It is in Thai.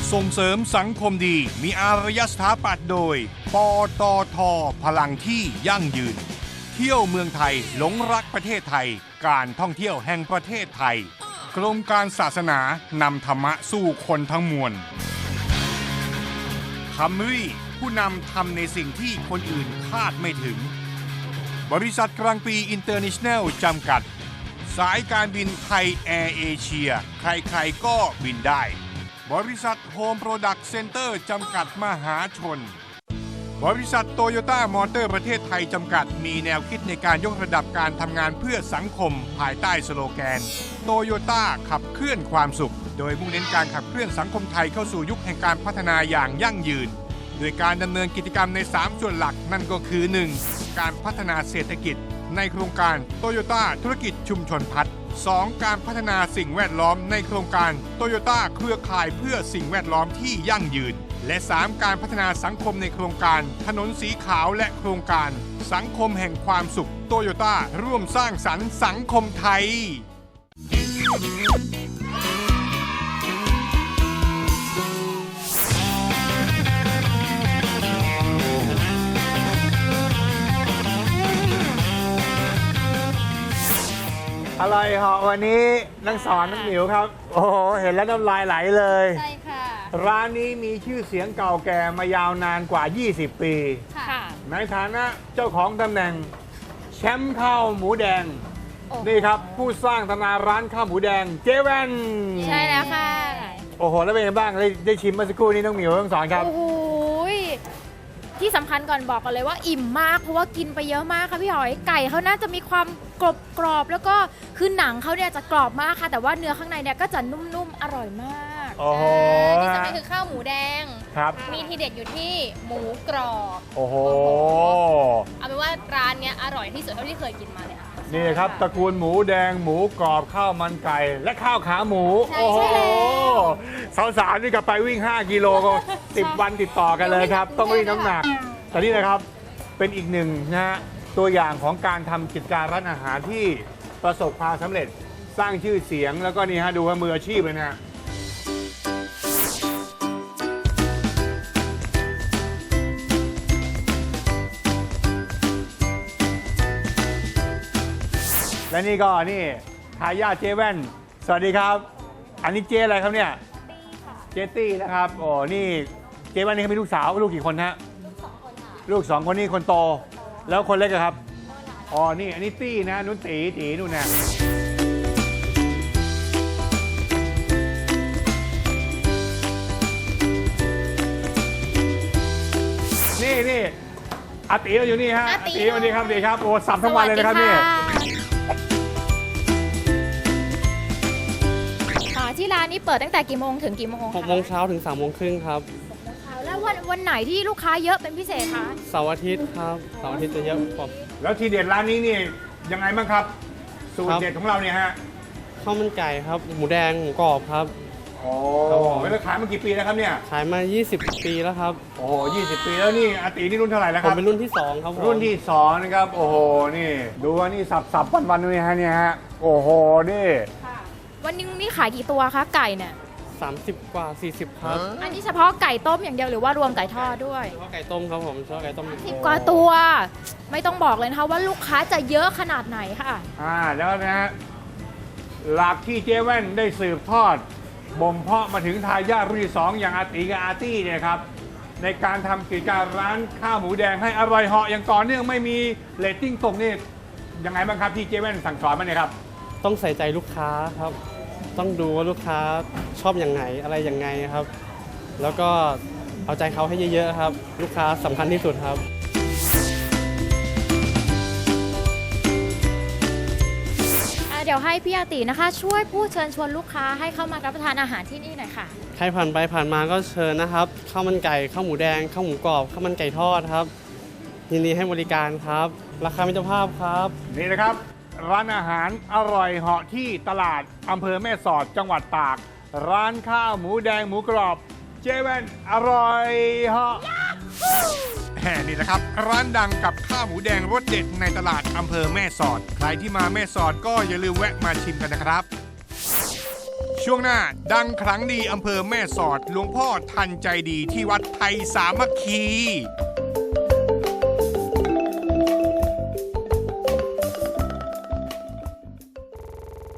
ส่งเสริมสังคมดีมีอารยสถาปัตย์โดยปตท.พลังที่ยั่งยืนเที่ยวเมืองไทยหลงรักประเทศไทยการท่องเที่ยวแห่งประเทศไทยกรมการศาสนานำธรรมะสู่คนทั้งมวลคัมรี่ผู้นำทำในสิ่งที่คนอื่นคาดไม่ถึงบริษัทกลางปีอินเตอร์เนชั่นแนลจำกัดสายการบินไทยแอร์เอเชียใครๆก็บินได้บริษัทโฮมโปรดักต์เซ็นเตอร์จำกัดมหาชนบริษัทโตโยต้ามอเตอร์ประเทศไทยจำกัดมีแนวคิดในการยกระดับการทำงานเพื่อสังคมภายใต้สโลแกนโตโยต้าขับเคลื่อนความสุขโดยมุ่งเน้นการขับเคลื่อนสังคมไทยเข้าสู่ยุคแห่งการพัฒนาอย่างยั่งยืนโดยการดำเนินกิจกรรมใน3ส่วนหลักนั่นก็คือ 1. การพัฒนาเศรษฐกิจในโครงการโตโยต้าธุรกิจชุมชนพัฒน์ 2. การพัฒนาสิ่งแวดล้อมในโครงการโตโยต้าเครือข่ายเพื่อสิ่งแวดล้อมที่ยั่งยืนและ 3. การพัฒนาสังคมในโครงการถนนสีขาวและโครงการสังคมแห่งความสุขโตโยต้าร่วมสร้างสรรค์สังคมไทยอร่อยเหาะวันนี้นักสอนนักหมิวครับโอ้โหเห็นแล้วน้ำลายไหลเลยใช่ค่ะร้านนี้มีชื่อเสียงเก่าแก่มายาวนานกว่า 20 ปีค่ะในฐานะเจ้าของตำแหน่งแชมป์ข้าวหมูแดงโอ้โหนี่ครับผู้สร้างตำนานร้านข้าวหมูแดงเจแวนใช่แล้วค่ะโอ้โหแล้วเป็นไงบ้างได้ชิมเมื่อสักครู่นี้น้องหมิวต้องสอนครับโอ้โหยที่สำคัญก่อนบอกกันเลยว่าอิ่มมากเพราะว่ากินไปเยอะมากค่ะพี่หอยไก่เขาน่าจะมีความกรอบแล้วก็คือหนังเขาเนี่ยจะกรอบมากค่ะ แต่ว่าเนื้อข้างในเนี่ยก็จะนุ่มๆอร่อยมากโอ้โหที่สำคัญคือข้าวหมูแดงครับมีทีเด็ดอยู่ที่หมูกรอบโอ้โหเอาเป็นว่าร้านเนี้ยอร่อยที่สุดเท่าที่เคยกินมาเลยค่ะนี่ครับตระกูลหมูแดงหมูกรอบข้าวมันไก่ และข้าวขาหมูใช่โอ้โหใช่แล้วสาวๆนี่ก็ไปวิ่ง 5 กิโลก็ 10 วันติดต่อกันเลยครับ ต้องรีดน้ำหนัก แต่นี่นะครับเป็นอีกหนึ่งนะฮะตัวอย่างของการทำกิจการร้านอาหารที่ประสบความสำเร็จสร้างชื่อเสียงแล้วก็นี่ฮะดูว่ามืออาชีพเลยนะ และนี่ก็นี่ทายาทเจแว่นสวัสดีครับ อันนี้เจอะไรครับเนี่ยเจตี้นะครับโอ้นี่เจแว่นนี่เขามีลูกสาวลูกกี่คนฮะลูก 2 คนนี่คนโต แล้วคนเล็กอะครับอ๋อนี่อันนี้ตี้นะนุ่นตีนู่นนะนี่อาตีเราอยู่นี่ฮะอาตีสวัสดีครับดีครับโอ้สับทั้งวันเลยนะครับนี่ที่ร้านนี้เปิดตั้งแต่กี่โมงถึงกี่โมง 6 โมงเช้าถึง 3 โมงครึ่งครับแล้ววันไหนที่ลูกค้าเยอะเป็นพิเศษคะเสาร์อาทิตย์ครับ เสาร์อาทิตย์จะเยอะกว่าแล้วทีเด็ดร้านนี้นี่ยังไงบ้างครับ สูตครรับเด็ดของเราเนี่ยฮะข้าวมันไก่ครับ หมูแดง หมูกรอบครับโอ้ครับผมแล้วขายมากี่ปีแล้วครับเนี่ยขายมา 20 ปีแล้วครับโอ้โห20 ปีแล้วนี่อาตีนี่รุ่นเท่าไหร่แล้วผคมรับเป็นรุ่นที่ 2 ครับผมรุ่นที่2นะครับโอ้โหนี่ดูว่านี่สับวันๆนี่ฮะเนี่ยฮะโอ้โหนี่วันนึงนี่ขายกี่ตัวคะไก่เนี่ย 30 กว่า 40 ครับอันนี้เฉพาะไก่ต้มอย่างเดียวหรือว่ารวมไก่ทอดด้วยเฉพาะไก่ต้มครับผมเฉพาะไก่ต้ม 10 กว่าตัว ไม่ต้องบอกเลยนะคะว่าลูกค้าจะเยอะขนาดไหนค่ะแล้วนะฮะหลักที่เจ๊แว่นได้สืบทอดบ่มเพาะมาถึงทายาทรุ่นที่2อย่างอาตีกับอาตี้เนี่ยครับในการทำกิจการร้านข้าวหมูแดงให้อร่อยเหาะอย่างต่อเนื่องไม่มีเรตติ้งตกนี่ยังไงบ้างครับที่เจ๊แว่นสั่งสอนมาเนี่ยครับต้องใส่ใจลูกค้าครับ ต้องดูว่าลูกค้าชอบอย่างไงอะไรอย่างไงครับ แล้วก็เอาใจเขาให้เยอะๆครับ ลูกค้าสำคัญที่สุดครับเดี๋ยวให้พี่อาตินะคะ ช่วยพูดเชิญชวนลูกค้าให้เข้ามารับประทานอาหารที่นี่หน่อยค่ะใครผ่านไปผ่านมาก็เชิญนะครับ ข้าวมันไก่ ข้าวหมูแดง ข้าวหมูกรอบ ข้าวมันไก่ทอดครับ ยินดีให้บริการครับ ราคามิตรภาพครับนี่นะครับ ร้านอาหารอร่อยเหาะที่ตลาดอำเภอแม่สอดจังหวัดตาก ร้านข้าวหมูแดงหมูกรอบเจแว่นอร่อยเหาะนี่แหละครับร้านดังกับข้าวหมูแดงรสเด็ดในตลาดอำเภอแม่สอดใครที่มาแม่สอดก็อย่าลืมแวะมาชิมกันนะครับ ชช่วงหน้าดังครั้งดีอำเภอแม่สอดหลวงพ่อทันใจดีที่วัดไทยสามัคคี